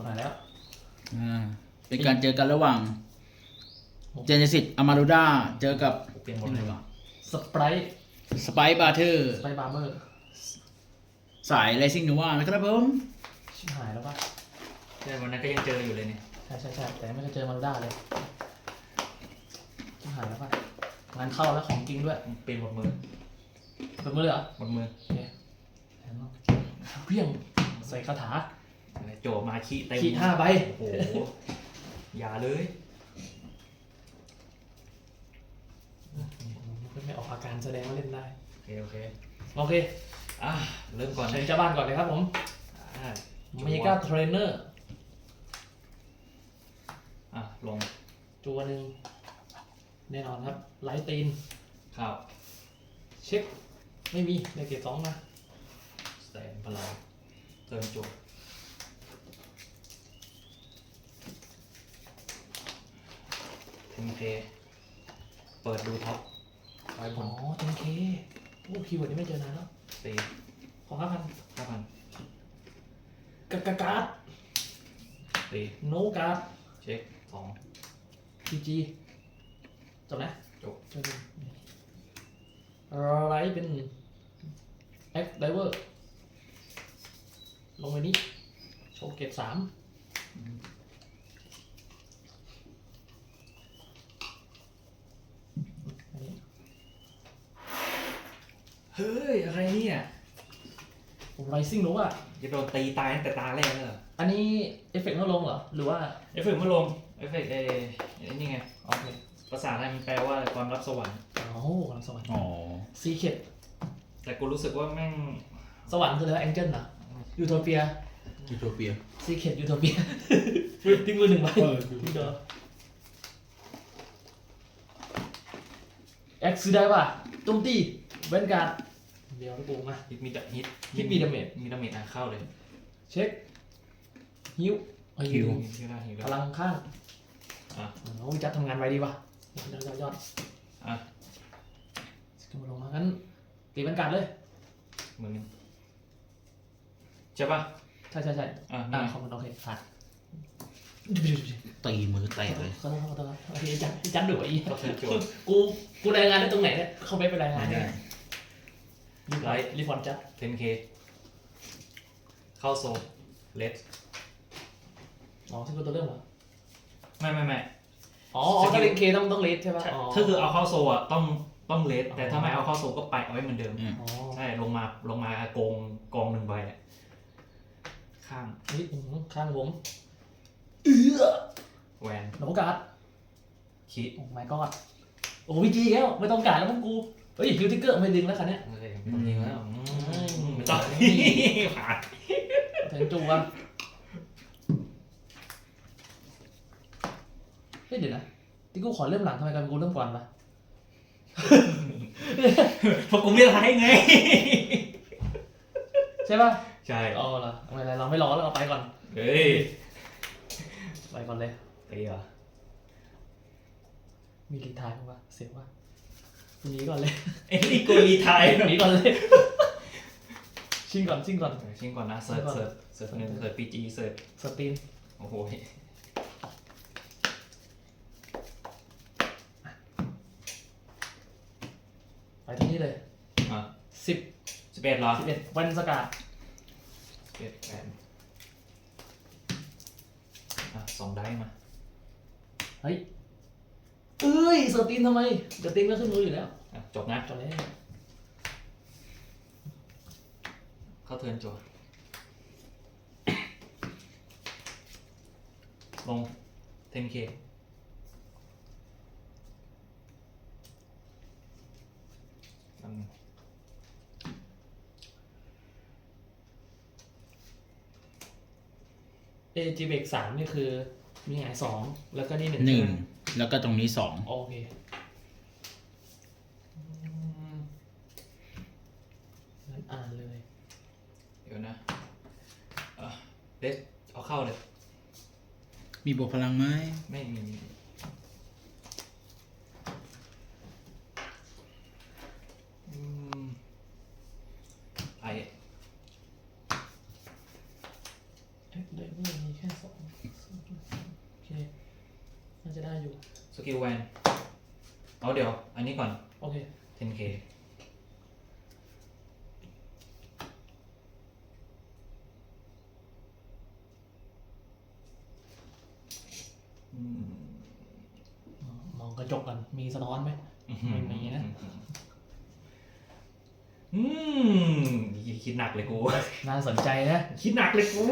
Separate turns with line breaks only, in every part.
ขนาดแล้ว
เป็นการเจอกันระหว่างเจเนซิสอามารูด้าเจอกับ
เปลี่ยนหมดเลยว่ะ
สไปร์
สไปบาร์เทอร์
สไปร์บาร์เมอร์
สายไรซิ่งนูว่านะครับผม
ชิบหายแล้วป่ะ
ใช่วันนั้นก็ยังเจออยู่เลยเนี่ย
ใช่แต่ไม่เคยเจอมารูด้าเลยชิบหายแล้วป่ะงานเข้าแล้วของจริงด้วย
เปลี่ยนหมดมือ
เป็นมือเลยเหรอ
หมดมือ
โอเคเพี้ยงใส่คาถา
โจมาขี้เต็ม
ขีด5 ใบ
โอ้โหอย่าเลย
ไม่ออกอาการแสดงว่าเล่นได้
โอเค
โอเค
เริ่มก่อน
เชิญเจ้าบ้านก่อนเลยครับผม
อ่า
เมกาเทรนเนอร์
ลง
ตัวหนึ่งแน่นอนครับไลท์ตีน
ข้าว
เช็คไม่มีในเกรด2มา
สแตนพลังเติมโจเทมเพเปิดดูท็อปไว้ผ
อ๋อ
ม
เทนเคโอ้คีย์เวิร์ดนี้ไม่เจอนานแล้ว
ตี
ขอ5,000
5,000
การ์ด
ตี
โนการ์ด
เช็ค
PG จบนะ
จบ
จบไลท์เป็น X Diver ลงไปนี้โชว์เกรด3อันนี้
เฮ้ย อะไรเนี่ย
ไรซิ่งรู้อ่ะ
จะโดนตีตายตั้งแต่ตาแรกเลยเหรอ
อันนี้เอฟเฟกต์ไม่ลงเหรอ หรือว่า
เอฟเฟกต์เมื่อลงเอฟเฟกต์นี่ไง
โอเค
ภาษาไทยมันแปลว่าความรับสวรรค์
โอ้กำลังสวรรค์
อ๋อ
ซีเคด
แต่กูรู้สึกว่าแม่ง
สวรรค์คืออะไรแองเจิลนะยูโทเปีย
ยูโทเปีย
ซีเคดยูโทเปียทิ้งมือ1 ใบทิ้งเด้อเอ็กซ์ได้ป่ะตุ้มตีเวนการ์ดเดี๋ยวกูมา
ฮิตมีดฮิต
ฮิตมีดาเมจ
มีดาเมจเข้าเลย
เช็คฮิว
ฮิวได้ฮิว
พ
ได้
ลังข้าง
อ่ะ
โอ้ยจัดทำงานไวดีว่ะยอด
อ่ะ
สกิลลงมางั้นตีเวนการ์ดเลย
มือนึงใช่ป่ะ
ใช่
อ่ะ
ขอบคุณโอเคผ่าน
ตีมือแตกเลย
ขอโทษครับโอเคจัดดุอี
ก็เทิร์นโจทย์
กูรายงานได้ตรงไหนเนี่ยเข้าไปรายงาน
ไม่ได้
รีพอร์ตจัด
10K เข้าโซเลส
อ๋อซึ่งตัวเริ่มเหรอ
ไม่
อ๋อถ้าเป็นเคต้องเลสใช่ป่ะอ๋อ
ถ้าคือเอาเข้าโซอ่ะต้องเลสแต่ถ้าไม่เอาเข้าโซก็ไปเอาไว้เหมือนเดิม
อ๋อ
ใช่ลงมาโกง1 ใบอ่ะข้าง
นี่ข้างผม
แหวน
โนการ์ด
คิ
โอ้ my god โอ้วิจีแล้วไม่ต้องการแล้วพวกกูเฮ้ยฮิวทิกเกอร์ไม่ดึงแล้วคันเนี้ย
ไม่ต้องยิงแล้วไม่ต้องผ่าน
ถึงจูวะเฮ้ยเดี๋ยวนะที่กูขอเริ่มหลังทำไมกันกูเริ่มก่อนวะ
เพราะกูไม่ร้ายไง
ใช่ป่ะ
ใช่
อ๋อเหรอไม่เป็นไรเราไม่รอแล้วเราไปก่อน
เฮ้ย
ไปก่อนเลย
ตีเหรอ
มีรีทายป่ะเสียป่ะหนีก่อนเลย
ไอ้นี่กูรีไทย
หนีก่อนเลยชิงก่อน
ชิงก่อนนะเสิร์ช1เสิร์ช PG เสิร์ช
สตรีน
โอ้โห
ไปที่นี่เลย
อ่ะ
10
11เหรอ
11วันสกัด
11แปดอ่ะ2 ได้มา
เฮ้ยเอ้ยสตรีนทำไมเดี๋ยวตีนก็ขึ้นมืออยู่แล้ว
อ่ะจบนะ
จบแล้ว
เข้าเทิร์นจั่วลง 10K
เอจีเบก3นี่คือมีหงาย2แล้วก็นี่1
1แล้วก็ตรงนี้2
โอเคงั้นอ่านเลย
เดี๋ยวนะเดสเอาเข้าเลย
มีบวกพลังไหม
ไม่มีไอ
เด็กมีแค่2โอเคน่าจะได้อยู่
สกิลแวนเอาเดี๋ยว อันนี้ก่อน
โอเค
10k อืม
มองกระจกกันมีสะท้อนไหมไม่มีนะ
อืมคิดหนักเลยกู
น่าสนใจนะ
คิดหนักเลยกู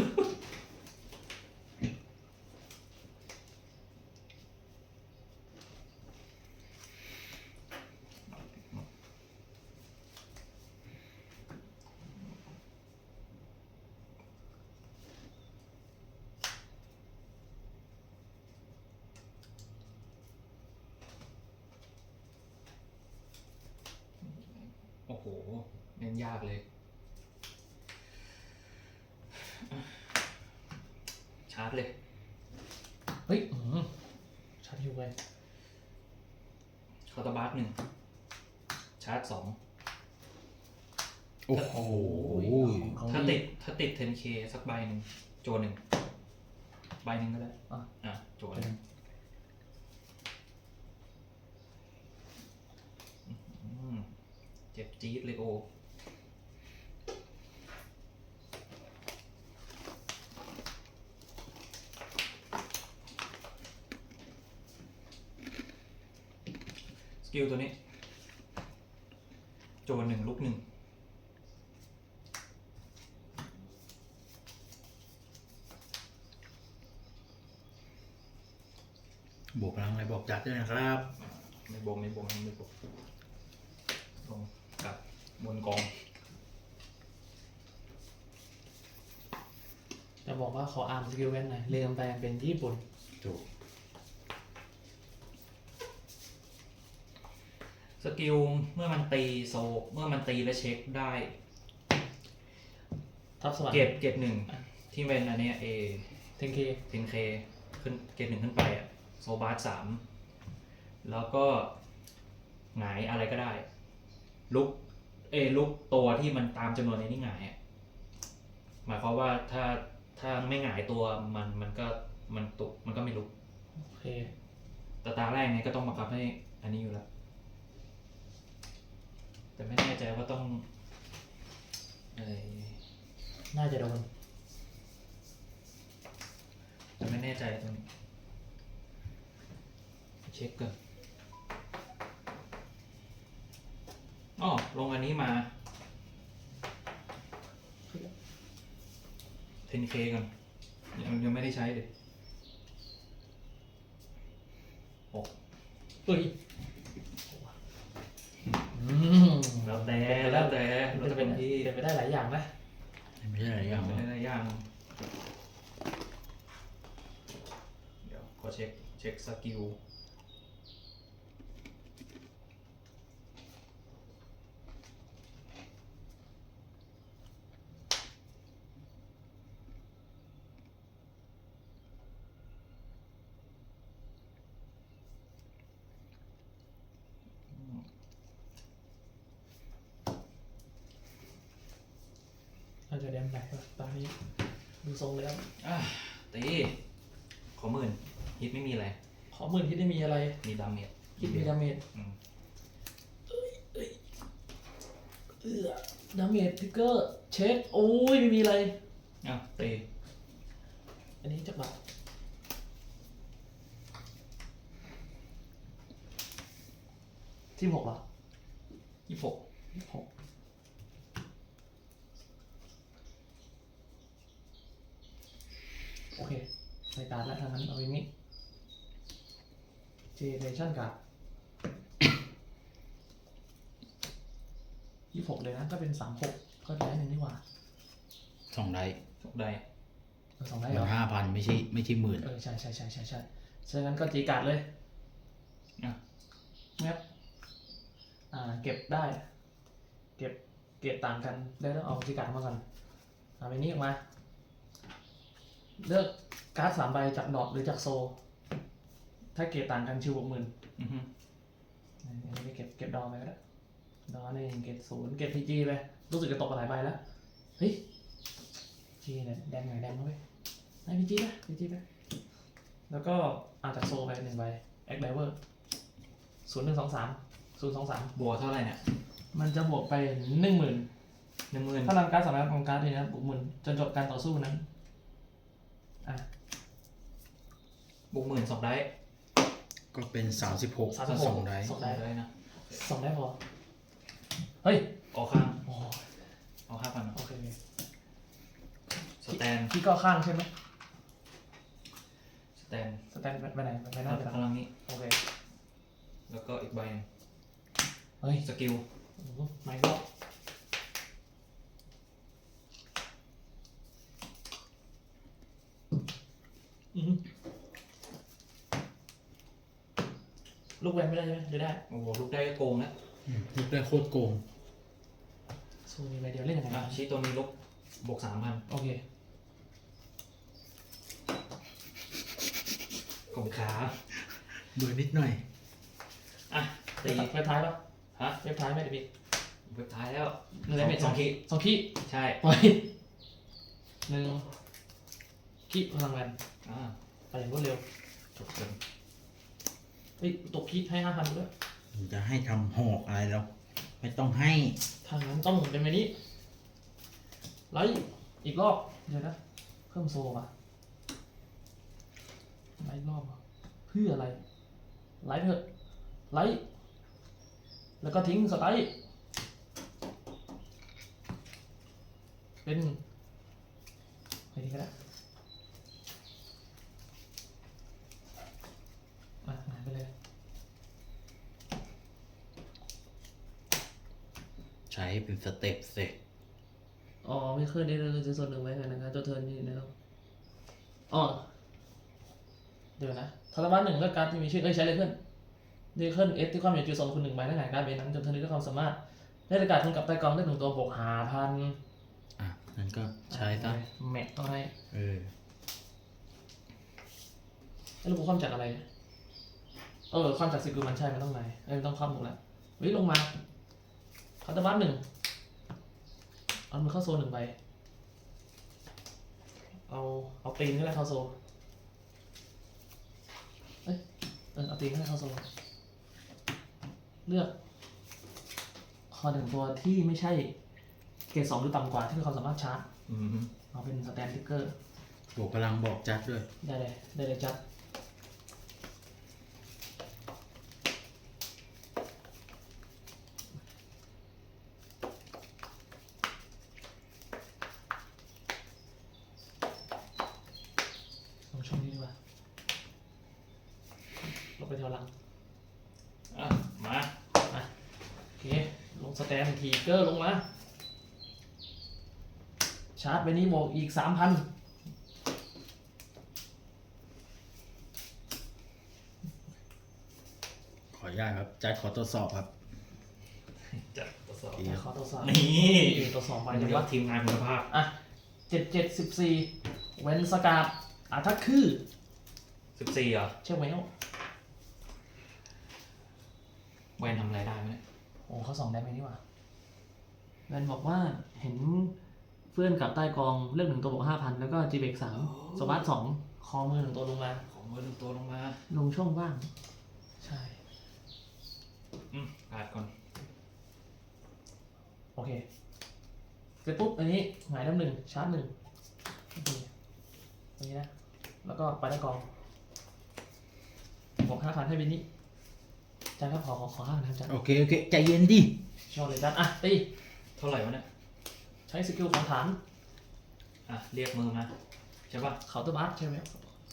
โอ้โหเน้นยากเลย ชาร์จเลย
เฮ้ยชัดอยู่ไป
คาร์ตบาร์หนึ่งชาร์จสอง
โอ้โห
ถ้าติด 10k สักใบหนึ่งโจหนึ่งใบหนึ่งก็ได้โจหนึ่งเจ็บจี๊ดเลยโอสกิลตัวนี้โจหนึ่งลุกหนึ่ง
บวกพลังอะไรบอกจัดด้วยนะครับ
ไม่บวกลงกับบนกอง
จะบอกว่าขออ่านสกิลเว้นหน่อยเรียงแปลงเป็นญี่ปุ่น
ถูก
สกิลเมื่อมันตีโซเมื่อมันตีและเช็คได้
ทับสวรรค์
เกรดหนึ่งที่เป็นอันเนี้ย
10K
10k ขึ้นเกรดหนึ่งขึ้นไปอะโซบาร์3แล้วก็หงายอะไรก็ได้ ลุกตัวที่มันตามจำนวนในนี้หงายอะหมายความว่าถ้าไม่หงายตัวมันก็ไม่ลุก
โอเค
แต่ตาแรกเนี่ยก็ต้องบังคับให้อันนี้อยู่แล้วแต่ไม่แน่ใจว่าต้อง
น่าจะโดน
แต่ไม่แน่ใจตรงนี้เช็คก่อนอ๋อลงอันนี้มา 10k ก่อนยังไม่ได้ใช้เลย
เฮ้ย
แล้วแต่เราจะเป็นที่
เป็นไปได้หลายอย่างนะ
ไม่ใช่อะไรอย่าง
ไม่
วะ
ได้ย่างเดี๋ยวขอเช็คสกิล
น่าจะแดมแบกตอนนี้ดูทรงแล้ว
ตีขอ10,000ฮิตไม่มีอะไร
ขอ10,000ที่ได้มีอะไร
มีดาเมจ
คิดมีดาเมจดาเมจทิกเกอร์เช็คโอ้ยไม่มีอะไร
ตี
อันนี้จักบาท16เหรอ
26
26โอเคในการแล้วทางนั้นเอาอย่างนี้เจเนเรชั่นกับ26เลยนะก็เป็น36ก็ได้หนึ่งดีกว่า
2 ได้
ได้
2ได้
มั
เหรอ
น5,000ไม่ใช่หมื่น
ใช่ฉะนั้นก็จีการ์ดเลยงับเก็บได้เก็บต่างกันได้ต้องเอาจีการ์ดมาก่อนเอาไปนี้ออกมาเลือกการ์ด3ใบจากดอทหรือจากโซถ้าเก็บต่างกันชิว60,000อันนี้เก็บดอไปก็ได้ดอ1เก็บ0เก็บพีจีไปรู้สึกจะตกไปหลายใบแล้วเฮ้ยจีเนี่ยแดงไหนแดงด้วยให้พีจีไปแล้วก็เอาจากโซไป1 ใบแอคไดเวอร์0123
บัวเท่าไหร่เนี่ย
มันจะบวกไป 10,000
10,000
ถ้านำการ์ดสามารถของการ์ดนี้นะบวก10,000จนจบการต่อสู้นั้น
บวก10,000 2 ได้
ก็เป็น36
36
2ได้
2 ได้
ได้นะ
2 ได้พอเฮ้ย
ออกข้าง
โอ้
เอา5,000นะ
โอเค
สแตน
พี่ก็ข้างใช่ไหม
สแตน
สแตนไปไหนไปหน้าไปหลัง
พลังนี้
โอเค
แล้วก็อีกใบหนึ่ง
เฮ้ย
สกิล
ไม่ก็ลูกแวนไม่ได้ใช่ไหมหรือได้
โอ้โหลูกได้ก็โกงแล้ว
ลูกได้โคตรโกง
โซมีใบเดียวเล่นยังไง
ชี้ตัวนี้ลบ บวก 3,000
โอเค
กลมขา
เบื่อนิดหน่อย
อ่ะตี
เว็บท้ายปะ
ฮะ
เว็บท้ายไม่ได้พี่
เว็บท้ายแล้ว
หนึ่งเม็ด
2 ขีด
2 ขี้
ใช่
ปล่อย1 ขี้พลังแวน
อ่า
ไปอย่างรวดเร็ว
จบเลย
เฮ้ยตกขี้ให้ 5,000ด้วย
จะให้ทำหอกอะไรแล้ว ไม่ต้องให้
ทางนั้นต้องเป็นแบบนี้ไลท์อีกรอบเดี๋ยวนะเพิ่มโซ่ป่ะไลท์รอบอะเพื่ออะไรไลท์เถอะไลท์แล้วก็ทิ้งสไตล์เป็นใครดีก็ได้หายไปเลย
ใช้เป็นสเต็ปเสร็จ
อ๋อไม่เคยได้เลยจะส่วนหนึ่งไว้กันนะครับตัวเทิร์นนี่นะครับอ๋อเดี๋ยวนะทรมาน1เลือกการ์ดที่มีชื่อใช้เลยเพื่อนเดเคิลเอสที่ความอยู่จุด2 คุณ 1 ใบนั่นไงการ์ดเบนนั้นจนเทิร์นนี้ด้วยความสามารถได้ประกาศทุนกับใต้กองได้1 ตัวบวก5,000
อ่ะนั่นก็ใช้ซะ
แมทต้องให้ แล้วกูความจากอะไรความจากสกิลมันใช่มันต้องไหนมันต้องความถูกแล้ววิ่งลงมาคาร์ดบัส1เอามือเข้าโซน1 ใบเอาตีนก็ได้เข้าโซเอาตีนก็ได้เข้าโซเลือกคอ1 ตัวที่ไม่ใช่เกรด2หรือต่ำกว่าที่มีความสามารถชาร์จ
อืม
เอาเป็นสแตนติ๊กเกอร์
บวกพลังบอกจัดด้วย
ได้เลยจัดลงช่องนี้ดีกว่าลงไปแถวหลัง
อ่ะมา
โอเคลงสแตนทีเกอร์ลงมาชาร์จไปนี้บวกอีก 3,000
ขออนุญาตครับจัดขอตรวจสอบครับ
จัดทดสอบ
ขอตัวสอบ
นี่
ตัวสอบไป
มัน
จัง
ย
วะ
กทีมงานคุณภาพ
อ่ะ7/14เว้นสกาดถ้าคือ
14เหรอ
เชื่อไหมอ่ะ
แวนทำอะไรได้ไหมเนี่ย
โอ้เขา2 ได้ไหมนี่หว่าแวนบอกว่าเห็นเพื่อนกับใต้กองเลือก1 ตัวบวก 5,000 แล้วก็จีเบก3สวัสด2คอมือ1 ตัวลงมา
ของมือหนึ่งตัวลงมา
ลงช่องว่าง ใช่
การ์ดก่อน
โอเคเสร็จปุ๊บอันนี้หงายน้ำ1ชาร์จ1อันนี้นะแล้วก็ไปใต้กองบวก 5,000 ให้บินนี้จานครับขอ5,000ครับจาน
โอเคใจเย็นดิ
ชอบเลยจานตี
เท่าไหร่วะเนี่ย
ใช้สกิลของฐาน
เรียกมือมาใช่ป่ะ
เคาน์เตอร์บัสใช่ไหม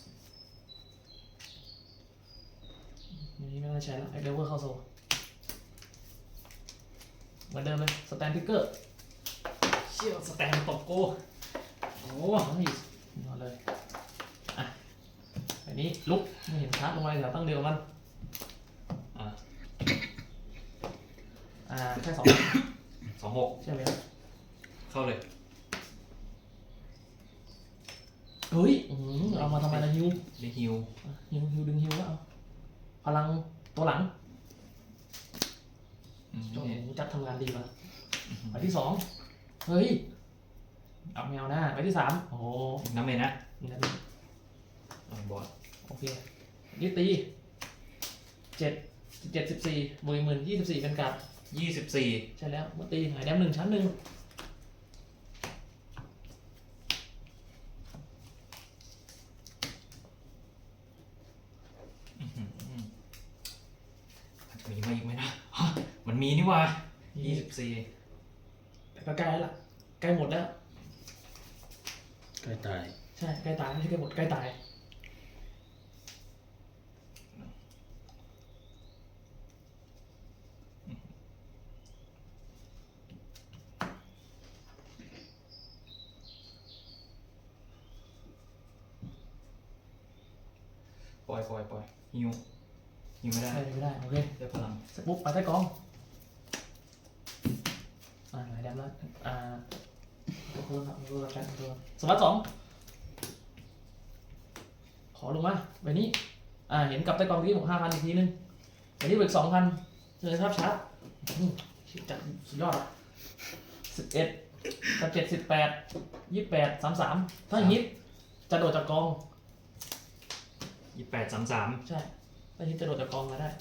นี่ไม่ได้ใช้แล้วไอเดเวอร์เข้าโซเหมือนเดิมเลยสแตนทิกเกอร์เชี่ยวสแตนตบโก้โอ้ยนอนเลยอันนี้ลุกไม่เห็นชาร์จลงมาเดี๋ยวตั้งเดียวมัน แค่2
26
ใช่ไหม
เข้าเลย
เฮ้ยเอามาทำไมล่ะฮิว
ได้ฮิว
ฮิวดึงฮิวแล้วเอาพลังตัวหลังโอ้โหจัดทำงานดีป่ะไปที่2เฮ้ยเอาแมวหน้าไปที่สามโอ้โห
น้ำเมนนะ
นี่นะ
บอส
โอเคยี่ตี7 1410,000 24เป็นการ์ด
24
ใช่แล้วเมื่อตีหายแดมหนึ่งชั้นหนึ่ง
มันจะมีมาอีกไหมนะฮะมันมีนี่หว่า24
แต่ก็ใกล้แล้วล่ะใกล้หมดแล้ว
ใกล้ตาย
ใช่ใกล้ตายไม่ใช่ใกล้หมดใกล้ตาย
ปล่อยฮิวไม่ได้
ใช่ไม่ได้โอเค
ได้พลัง
เสร็จปุ๊บไปใต้กองหายแดมแล้วตัวครับตัวกันตัวสวัสด2ขอลงมาใบนี้เห็นกับใต้กองที่ผม5,000อีกทีนึงใบนี้เบิก2,000เลยครับชาร์จจัดสุดยอดอ่ะ11กับ7 18 28 33ถ้าฮิตจะโดดจากกอง
28 33
ใช่ถ้าฮิตจะโดดจากกองมาได้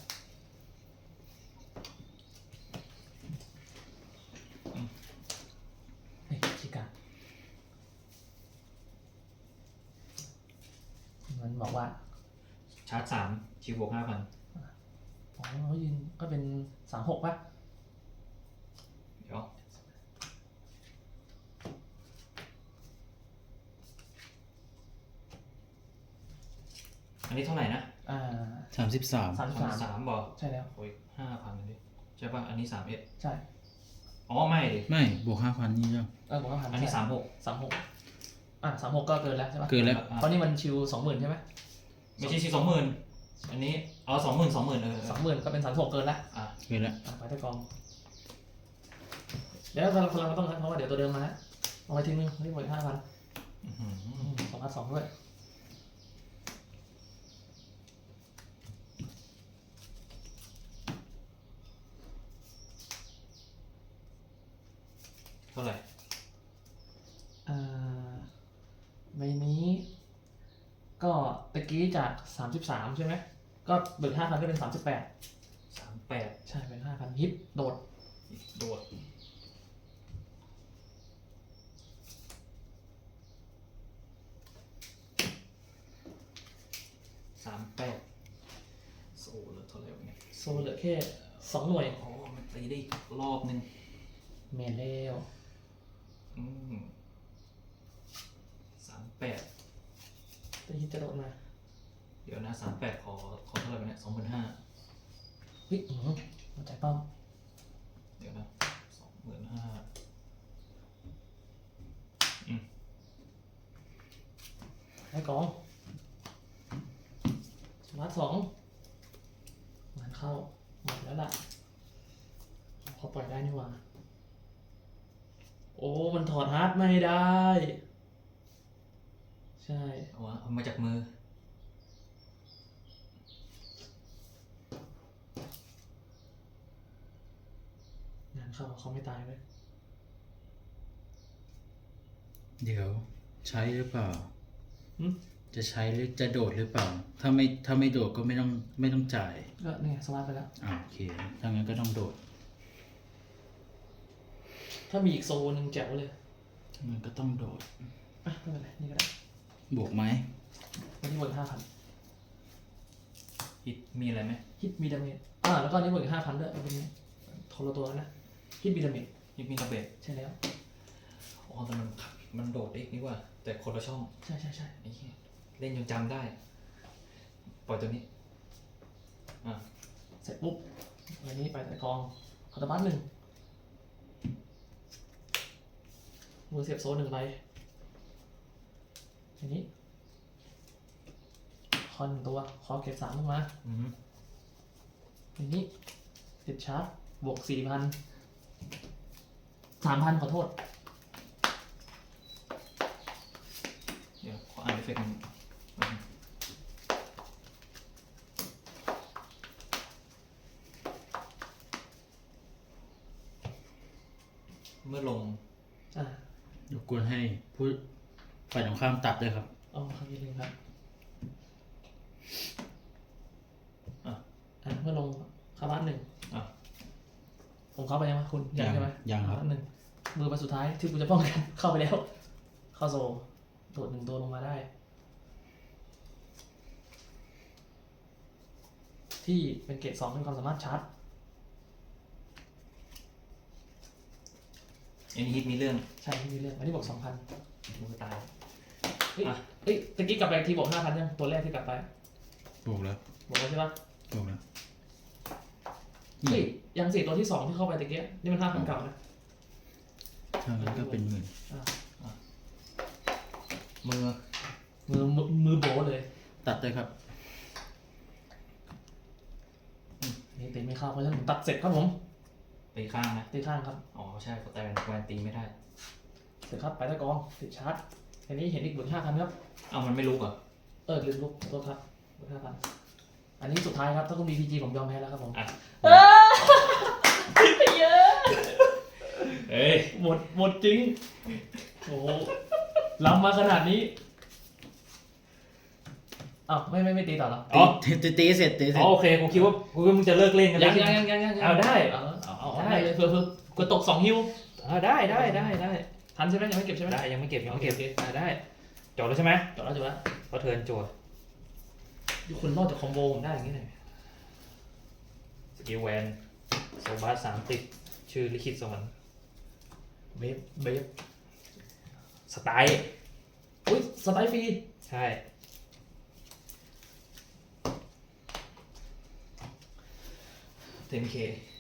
เฮ้ยชิกามันบอกว่า
ชาร์จ3ชิวบวก 5,000
อ๋อเขายืนก็เป็น36ป่ะ
เดี๋ยวอันนี้เท่าไหร่นะ
33
33
บอก
ใช่แล้ว
โอ้ย5,000เลยใช่ป่ะอันนี้31
ใช่
อ๋อไม่ดิ
ไม่บวก 5,000 นี่ยัง
บอกว่าผ่าน
อันนี้
36 36ก็เกินแล้วใช่ปะ
เกินแล้ว
เพราะนี่มันชิว 20,000ใช่ไหม
ไม่ใช่ชิว20,000อันนี้เอา20,000
20,000ก็เป็น36เกินแล้ว
อ่ะ
เกินแล้ว
ไปใต้กองเดี๋ยวพลังก็ต้องนัดเพราะว่าเดี๋ยวตัวเดิมมาแล้วเอาไว้ทีนึงนี่หมด5,000
อื้อหือ
2,200ด้วย
เท่าไหร่
ใบนี้ก็ตะกี้จาก33ใช่ไหมก็เบิก5,000ก็เป็น38
38
ใช่เป็น5,000ฮิตโดด
โดด38โซ่เหลือเท่าไหร่วะเนี่ย
โซเหลือแค่2หน่วย
อ๋อมันตีได้อีกรอบนึง
เมนเลว
อืม38
ตะกี้จะโดดมา
เดี๋ยวนะ38ขอเท่าไหร่วะเนี่ย25,000
เฮ้ยหัวใจป้อม
เดี๋ยวนะ25,000
ให้กองสมาร์ท2งานเข้าหมดแล้วล่ะเขาปล่อยได้นี่หว่าโอ้มันถอดฮาร์ดไม่ได้ ใช่
เอามาจากมือ
งานเข้าเขาไม่ตายเลย
เดี๋ยวใช้หรือเปล่า
หึ
จะใช้หรือจะโดดหรือเปล่า ถ้าไม่โดดก็ไม่ต้องจ่าย
ก็เนี่ยสมาร์ทไปแล้ว
โอเค ถ้างั้นก็ต้องโดด
ถ้ามีอีกโซนหนึ่งแจ๋วเลย
มันก็ต้องโดด
อ่ะไม่เป็นไรนี่ก็ได้
บวกไหม
วันนี้บวก5,000
ฮิตมีอะไรไหม
ฮิตมีดาเมจแล้วก็อันนี้บวกอีก5,000ด้วยเป็นคนละตัวแล้วนะฮิตมีดาเมจ
ฮิตมีกระเบด
ใช่แล้ว
อ๋อแต่มันโดดเองนี่ว่า แต่คนละช่อง
ใช่ใช่ใช่
ไอ้เหี้ยเล่นจนจำได้ ปล่อยตัวนี้
เสร็จปุ๊บวันนี้ไปแต่กองคอร์ตบัส1มือเสียบโซน1ใบทีนี้คอน1ตัวคอเก็บ3ลงมา
อืม
ทีนี้ติดชาร์จบวก 4,000 3,000ขอโทษ
เดี๋ยวขออ่านเอฟเฟกต์หนึ่งเมื่อลง
อ่า
เดี๋ยวกกวนให้ผู้ฝ่ายตรงข้ามตัดด้วยครับ
อ๋อครับยินดีครับ
อ่ะ
เมื่อลงเข้าบ้านหนึ่ง
อ่ะ
ผมเข้าไปยังไหมคุณยังใช่ไหม
ยังครับ
บ้านหนึ่งมือไปสุดท้ายที่กูจะป้องกัน เข้าไปแล้ว เข้าโซโดดหนึ่งตัวลงมาได้ ที่เป็นเกรด2มีความสามารถชาร์จ
อันนี้ฮิตมีเรื่อง
ใช่ที่มีเรื่องอันนี้บอก 2,000
มือตาย
เฮ้ย
อ่ะ
เฮ้ยตะกี้กลับไปทีบอก 5,000ยังตัวแรกที่กลับไป
ถูกแล้ว
บอกแล้วใช่ปะ
ถูกแล้ว
เฮ้ยยังสี่ตัวที่2ที่เข้าไปตะกี้นี่มัน 5,000เก่านะ
ถ้างั้นก็เป็นหมื่น
มือ
มือโบเลย
ตัดด้วยครับ
นี่ตีไม่เข้าเพราะฉะนั้นผมตัดเสร็จครับผม
ตีข้างนะ
ตีข้างครับ
อ๋อใช่แต่แวนตีไม่ได้
เสร็จครับไปตะกองติดชาร์จอันนี้เห็นอีกบุญ5,000ครับ
เอามันไม่ลุกเหรอ
ลืมลุกตัวครับบุญ5,000อันนี้สุดท้ายครับถ้าคุณมีพีจีผมยอมแพ้แล้วครับผม
อ่ะ
เยอะ
เอ้ย
หมดจริงโอ้โหล้ำมาขนาดนี้อ้าวไม่ตีต่อเหรอ
อ๋อ
ตีเสร็จตีเสร็
อ๋
จ
อโอเคกูคิดว่ามึงจะเลิกเล่นกัน
ยัง
แล้ว เอาได้
เอาได้เลยเพื่อกดตก2 ฮิว
ได้
ทันใช่ไหมยังไม่เก็บใช่ไหม
ได้ยังไม่เก็บยังไม่เก็บ
โอเค
ได้จบแล้วใช่ไหม
จบแล้ว
ก็เทิร์นจั่ว
อยู่คนรอดจากคอมโบผมได้อย่างนี้เลย
สกิลแวนโซบาส3ติดชื่อลิขิตสวรรค์
เบฟ
สไตล์
อุ้ยสไตล์ฟรี
ใช่10K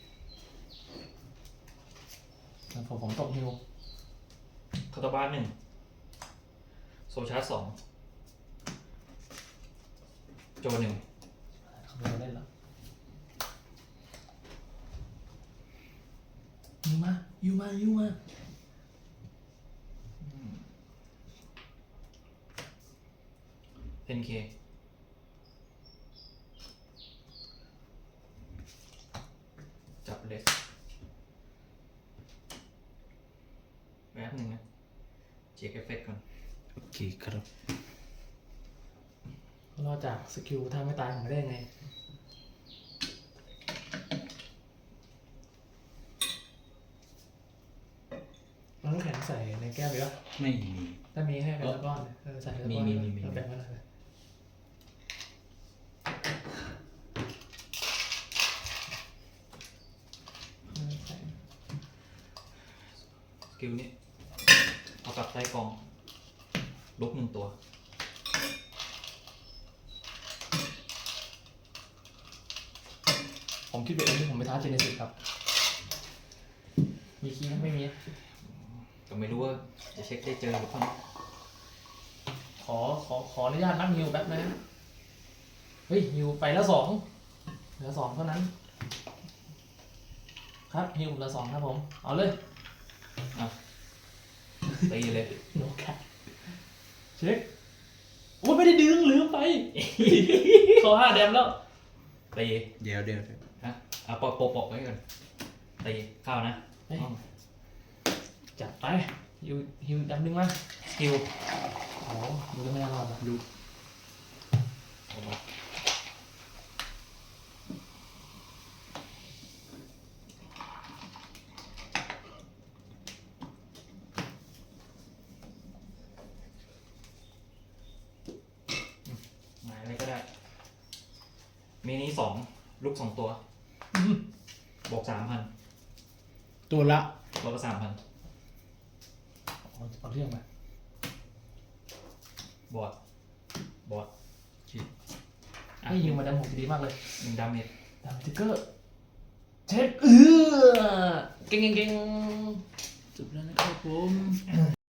ผมตกฮิว
คาตาบ้าน1โซชาร์จ2โจ1
เขาไม่เล่นแล้วยูมา
10K จับเลสแป๊บหนึ่งนะเช็คเอฟเฟกต์ก่อน
โอเคครับ
รอดจากสกิลท่าไม่ตายผมไม่ได้ยังไงน้ำแข็งใส่ในแก้วหรือเปล่า
ไม่มี
ถ้ามีให้เป็นก้อนใส่เป็นก้อน
มี
แบ่งไว้หน่อย
สกิลนี้เอากลับใต้กองลุก1 ตัว
ผมคิดไปเองที่ผมไปท้าเจเนซิสครับ มีคีย์ไหมไม่มี
ก็ไม่รู้ว่าจะเช็คได้เจอหรือเปล่า
ขออนุญาตนับฮิวแป๊บนะเฮ้ยฮิวไปแล้ว2เหลือ2เท่านั้น ครับฮิวเหลือ2ครับผม เอาเลย
ตีเลย
โนกัดเช็คโอ้ยไม่ได้ดึงลืมไป ขอ5 แดมแล้ว
ตี
เดี๋ยว
ฮะเอาปอกไว้ก่อนตีเข้านะ
เฮ้ย จัดไปฮิวแดมนึงมา
สกิล
โอ้ดูแล้วไม่น่ารอดนะ
ดู
หมายอะไรก็ได้ มีนี้2ลูก2 ตัว บวก 3,000
ตัวละ
ลบไป3,000
เอาเรื่องมา
บอดอ่ะ
ให้ฮิวมาแดมผมดีมากเลย
1 ดาเมจ
ดามทิกเกอร์เช็คเก่ง
จบแล้วนะครับผม